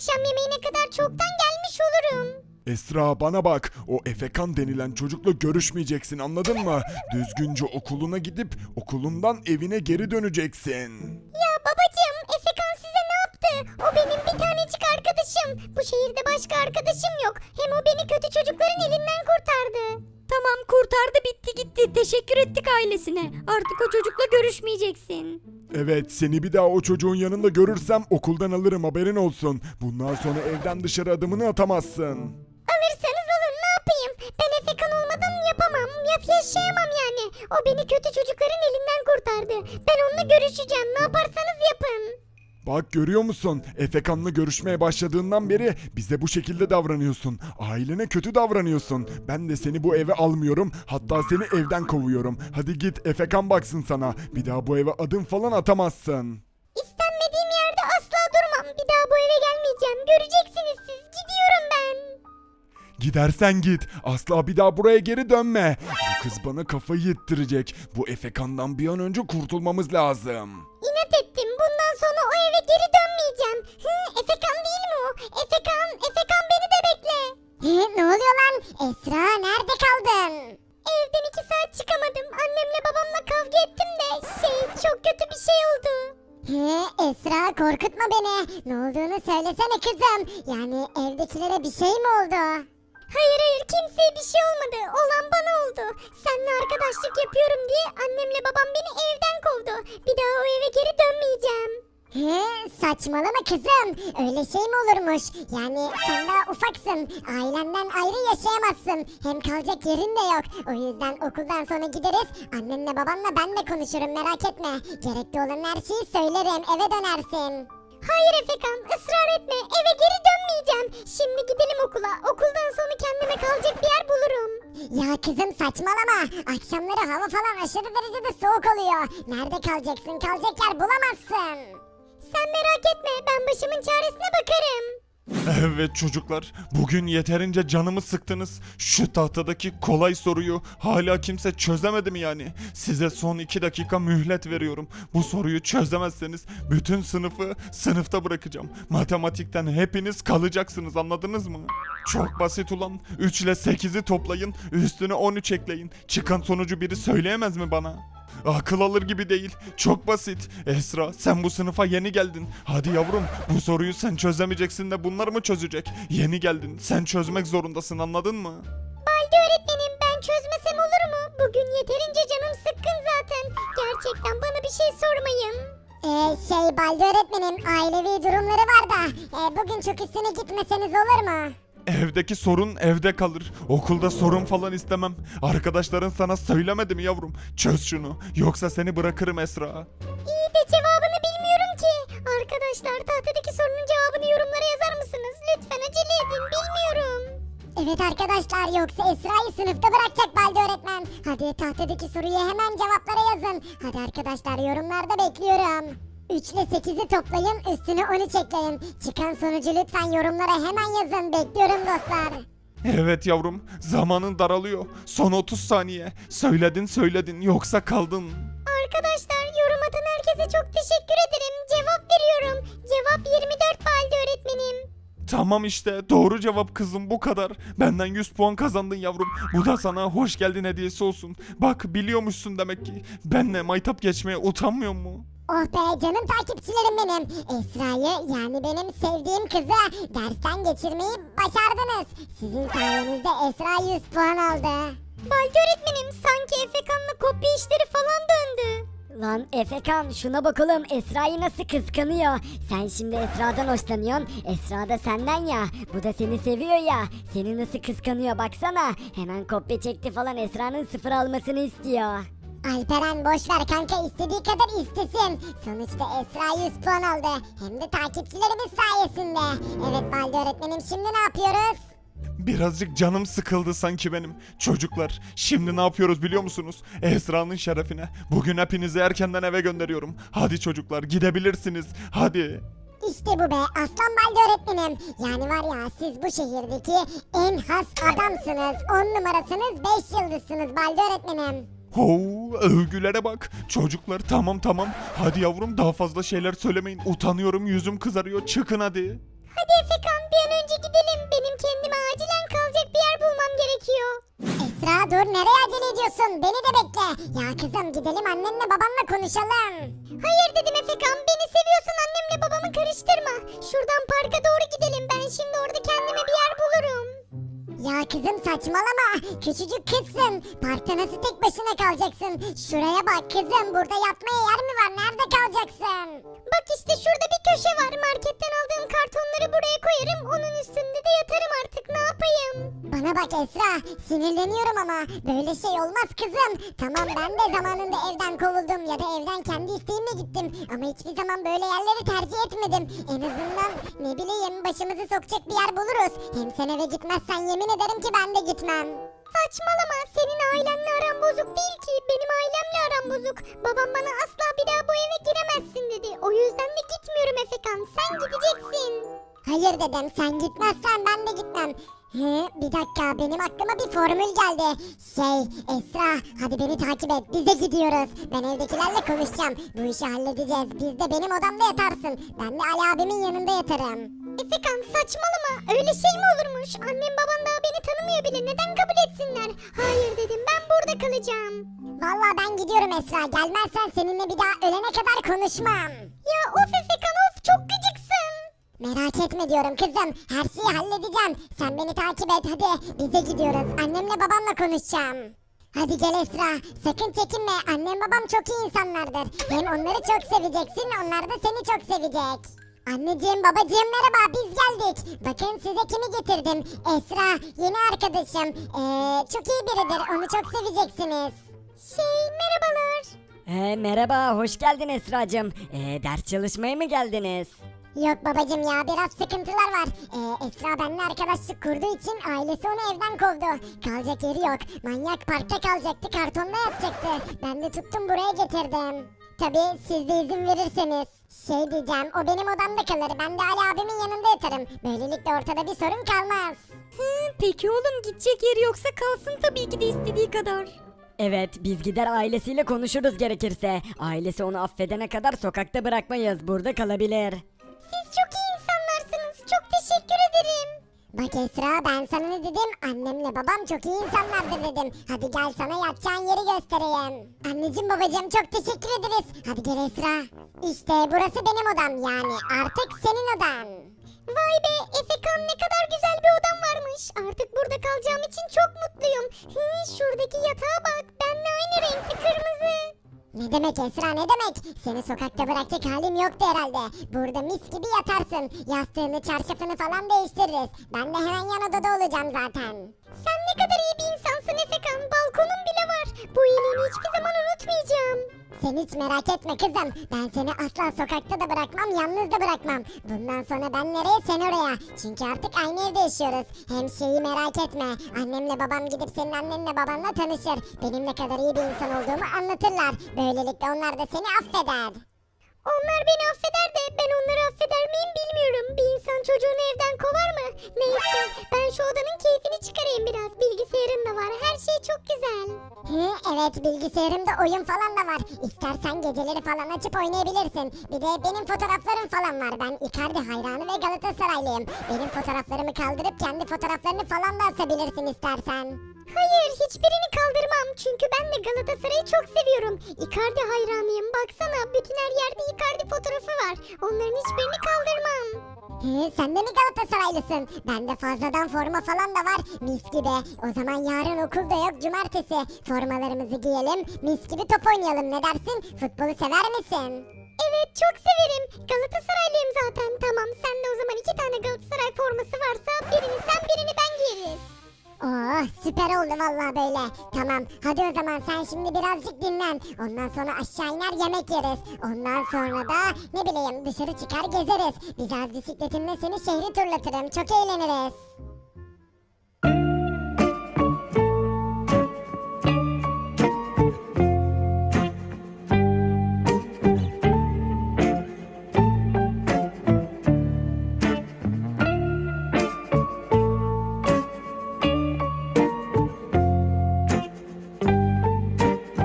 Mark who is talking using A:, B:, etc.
A: akşam yemeğine kadar çoktan gelmiş olurum.
B: Esra bana bak, o Efekan denilen çocukla görüşmeyeceksin, anladın mı? Düzgünce okuluna gidip okulundan evine geri döneceksin.
A: Ya babacığım, Efekan size ne yaptı? O benim bir tanecik arkadaşım. Bu şehirde başka arkadaşım yok. Hem o beni kötü çocukların elinden kurtardı.
C: Tamam, kurtardı, bitti gitti. Teşekkür ettik ailesine. Artık o çocukla görüşmeyeceksin.
B: Evet, seni bir daha o çocuğun yanında görürsem okuldan alırım, haberin olsun. Bundan sonra evden dışarı adımını atamazsın.
A: Alırsanız alın, ne yapayım? Ben Efekan olmadan yapamam. Yaşayamam yani. O beni kötü çocukların elinden kurtardı. Ben onunla görüşeceğim. Ne yaparsanız yapın.
B: Bak görüyor musun? Efekan'la görüşmeye başladığından beri bize bu şekilde davranıyorsun. Ailene kötü davranıyorsun. Ben de seni bu eve almıyorum. Hatta seni evden kovuyorum. Hadi git, Efekan baksın sana. Bir daha bu eve adım falan atamazsın.
A: İstenmediğim yerde asla durmam. Bir daha bu eve gelmeyeceğim. Göreceksiniz siz. Gidiyorum ben.
B: Gidersen git. Asla bir daha buraya geri dönme. Bu kız bana kafayı yettirecek. Bu Efekan'dan bir an önce kurtulmamız lazım.
A: İnat ettim. Bundan sonra o eve geri dönmeyeceğim. Efekan değil mi o? Efekan beni de bekle. Ne oluyor lan? Esra, nerede kaldın? Evden 2 saat çıkamadım. Annemle babamla kavga ettim de çok kötü bir şey oldu. Esra, korkutma beni. Ne olduğunu söylesene kızım. Yani evdekilere bir şey mi oldu? Hayır, kimseye bir şey olmadı. Olan bana oldu. Seninle arkadaşlık yapıyorum diye annemle babam beni evden kovdu. Bir daha o eve geri dönmeyeceğim. Saçmalama kızım. Öyle şey mi olurmuş? Yani sen daha ufaksın. Ailenden ayrı yaşayamazsın. Hem kalacak yerin de yok. O yüzden okuldan sonra gideriz. Annenle babanla ben de konuşurum, merak etme. Gerekli olan her şeyi söylerim. Eve dönersin. Hayır Efekan, ısrar etme. Eve geri dönmeyeceğim. Şimdi gidelim okula. Okuldan sonra kendime kalacak bir yer bulurum. Ya kızım saçmalama. Akşamları hava falan aşırı derecede soğuk oluyor. Nerede kalacaksın? Kalacak yer bulamazsın. Sen merak etme. Ben başımın çaresine bakarım.
B: Evet çocuklar, bugün yeterince canımı sıktınız. Şu tahtadaki kolay soruyu hala kimse çözemedi mi yani? Size son 2 dakika mühlet veriyorum. Bu soruyu çözemezseniz bütün sınıfı sınıfta bırakacağım. Matematikten hepiniz kalacaksınız, anladınız mı? Çok basit ulan. 3 ile 8'i toplayın, üstüne 13 ekleyin. Çıkan sonucu biri söyleyemez mi bana? Akıl alır gibi değil. Çok basit. Esra, sen bu sınıfa yeni geldin. Hadi yavrum, bu soruyu sen çözemeyeceksin de bunlar mı çözecek? Yeni geldin. Sen çözmek zorundasın, anladın mı?
A: Baldi öğretmenim, ben çözmesem olur mu? Bugün yeterince canım sıkkın zaten. Gerçekten bana bir şey sormayın. Baldi öğretmenim, ailevi durumları var da bugün çok üstüne gitmeseniz olur mu?
B: Evdeki sorun evde kalır. Okulda sorun falan istemem. Arkadaşların sana söylemedi mi yavrum? Çöz şunu. Yoksa seni bırakırım Esra.
A: İyi de cevabını bilmiyorum ki. Arkadaşlar, tahtadaki sorunun cevabını yorumlara yazar mısınız? Lütfen acele edin, bilmiyorum. Evet arkadaşlar, yoksa Esra'yı sınıfta bırakacak Baldi öğretmen. Hadi tahtadaki soruyu hemen cevaplara yazın. Hadi arkadaşlar, yorumlarda bekliyorum. 3 ile 8'i toplayın, üstüne 13 ekleyin. Çıkan sonucu lütfen yorumlara hemen yazın. Bekliyorum dostlar.
B: Evet yavrum. Zamanın daralıyor. Son 30 saniye. Söyledin yoksa kaldın.
A: Arkadaşlar, yorum atan herkese çok teşekkür ederim. Cevap veriyorum. Cevap 24 Baldi öğretmenim.
B: Tamam işte, doğru cevap kızım, bu kadar. Benden 100 puan kazandın yavrum. Bu da sana hoş geldin hediyesi olsun. Bak, biliyormuşsun demek ki. Benle maytap geçmeye utanmıyor mu?
A: Oh be canım takipçilerim benim. Esra'yı, yani benim sevdiğim kızı dersten geçirmeyi başardınız. Sizin sayenizde Esra 100 puan aldı. Baldi öğretmenim, sanki Efekan'la kopya işleri falan döndü.
C: Lan Efekan, şuna bakalım, Esra'yı nasıl kıskanıyor. Sen şimdi Esra'dan hoşlanıyorsun. Esra da senden ya. Bu da seni seviyor ya. Seni nasıl kıskanıyor baksana. Hemen kopya çekti falan, Esra'nın 0 almasını istiyor.
A: Alperen boş ver kanka, istediği kadar istesin. Sonuçta Esra 100 puan aldı. Hem de takipçilerimiz sayesinde. Evet Baldi öğretmenim, şimdi ne yapıyoruz?
B: Birazcık canım sıkıldı sanki benim. Çocuklar, şimdi ne yapıyoruz biliyor musunuz? Esra'nın şerefine. Bugün hepinizi erkenden eve gönderiyorum. Hadi çocuklar, gidebilirsiniz. Hadi.
A: İşte bu be aslan Baldi öğretmenim. Yani var ya, siz bu şehirdeki en has adamsınız. 10 numarasınız, 5 yıldızsınız Baldi öğretmenim.
B: Hoo, övgülere bak. Çocuklar, tamam. Hadi yavrum, daha fazla şeyler söylemeyin. Utanıyorum, yüzüm kızarıyor. Çıkın hadi.
A: Hadi Efekan bir an önce gidelim. Benim kendime acilen kalacak bir yer bulmam gerekiyor. Esra dur nereye acele ediyorsun? Beni de bekle. Ya kızım gidelim annenle babanla konuşalım. Hayır dedim Efekan. Beni seviyorsan annemle babamı karıştırma. Şuradan parka doğru gidelim. Ben şimdi orada kendime bir yer bulurum. Ya kızım saçmalama. Küçücük kızsın. Parkta nasıl tek başına kalacaksın? Şuraya bak kızım. Burada yatmaya yer mi var? Nerede kalacaksın? Bak işte şurada bir köşe var. Marketten aldığım kartonları buraya koyarım. Onun üstünde de yatarım artık. Ne yapayım? Bana bak Esra. Sinirleniyorum ama. Böyle şey olmaz kızım. Tamam ben de zamanında evden kovuldum. Ya da evden kendi isteğimle gittim. Ama hiçbir zaman böyle yerleri tercih etmedim. En azından ne bileyim başımızı sokacak bir yer buluruz. Hem sen eve gitmezsen yemin ederim ki ben de gitmem. Saçmalama. Senin ailenle aran bozuk değil ki. Benim ailemle aram bozuk. Babam bana asla bir daha bu eve giremezsin dedi. O yüzden de gitmiyorum Efekan. Sen gideceksin. Hayır dedim. Sen gitmezsen ben de gitmem. Bir dakika benim aklıma bir formül geldi. Esra hadi beni takip et biz de gidiyoruz. Ben evdekilerle konuşacağım. Bu işi halledeceğiz. Biz de benim odamda yatarsın. Ben de Ali abimin yanında yatarım. Efekan saçmalama öyle şey mi olurmuş? Annem baban daha beni tanımıyor bile neden kabul etsinler? Hayır dedim ben burada kalacağım. Vallahi ben gidiyorum Esra gelmezsen seninle bir daha ölene kadar konuşmam. Ya of Efekan of çok gıcıksın. Merak etme diyorum kızım. Her şeyi halledeceğim. Sen beni takip et hadi. Bize gidiyoruz. Annemle babamla konuşacağım. Hadi gel Esra. Sakın çekinme. Annem babam çok iyi insanlardır. Hem onları çok seveceksin. Onlar da seni çok sevecek. Anneciğim babacığım merhaba biz geldik. Bakın size kimi getirdim. Esra yeni arkadaşım. Çok iyi biridir. Onu çok seveceksiniz. Merhabalar.
C: Merhaba, hoş geldin Esra'cığım. Ders çalışmaya mı geldiniz?
A: Yok babacım ya biraz sıkıntılar var. Esra benimle arkadaşlık kurduğu için ailesi onu evden kovdu. Kalacak yeri yok. Manyak parkta kalacaktı kartonda yatacaktı. Ben de tuttum buraya getirdim. Tabii siz de izin verirseniz. Diyeceğim o benim odamda kalır. Ben de Ali abimin yanında yatarım. Böylelikle ortada bir sorun kalmaz.
C: Peki oğlum gidecek yeri yoksa kalsın tabii ki de istediği kadar. Evet biz gider ailesiyle konuşuruz gerekirse. Ailesi onu affedene kadar sokakta bırakmayız burada kalabilir.
A: Siz çok iyi insanlarsınız. Çok teşekkür ederim. Bak Esra ben sana ne dedim? Annemle babam çok iyi insanlardır dedim. Hadi gel sana yatacağın yeri göstereyim. Anneciğim babacığım çok teşekkür ederiz. Hadi gel Esra. İşte burası benim odam yani. Artık senin odan. Vay be Efekan ne kadar güzel bir odam varmış. Artık burada kalacağım için çok mutluyum. Şuradaki yatağa bak. Benimle aynı renkli kırmızı. Ne demek Esra ne demek? Seni sokakta bırakacak halim yoktu herhalde. Burada mis gibi yatarsın. Yastığını çarşafını falan değiştiririz. Ben de hemen yan odada olacağım zaten. Sen ne kadar iyi bir insansın Efekan. Balkonun bile var. Bu iyiliğini hiçbir zaman unutmayacağım. Sen hiç merak etme kızım. Ben seni asla sokakta da bırakmam, yalnız da bırakmam. Bundan sonra ben nereye sen oraya. Çünkü artık aynı evde yaşıyoruz. Hem şeyi merak etme. Annemle babam gidip senin annenle babanla tanışır. Benim ne kadar iyi bir insan olduğumu anlatırlar. Böylelikle onlar da seni affeder. Onlar beni affeder de ben onları affeder miyim bilmiyorum. Bir insan çocuğunu evden kovar mı? Neyse ben şu odanın keyfini çıkarayım biraz. Bilgisayarın da var her şey çok güzel. Evet bilgisayarımda oyun falan da var. İstersen geceleri falan açıp oynayabilirsin. Bir de benim fotoğraflarım falan var. Ben Icardi hayranı ve Galatasaraylıyım. Benim fotoğraflarımı kaldırıp kendi fotoğraflarını falan da asabilirsin istersen. Hayır hiçbirini kaldırmam. Çünkü ben de Galatasaray'ı çok seviyorum. Icardi hayranıyım. Baksana bütün her yerde Icardi fotoğrafı var. Onların hiçbirini kaldırmam. Sen de mi Galatasaraylısın? Bende fazladan forma falan da var. Mis gibi. O zaman yarın okulda yok cumartesi. Formalarımızı giyelim. Mis gibi top oynayalım ne dersin? Futbolu sever misin? Evet çok severim. Galatasaraylıyım zaten. Tamam sen de o zaman 2 tane Galatasaray forması varsa birini sen birini ben giyeriz. Oh süper oldu vallahi böyle. Tamam hadi o zaman sen şimdi birazcık dinlen. Ondan sonra aşağı iner yemek yeriz. Ondan sonra da ne bileyim dışarı çıkar gezeriz. Biraz bisikletimle seni şehri turlatırım. Çok eğleniriz.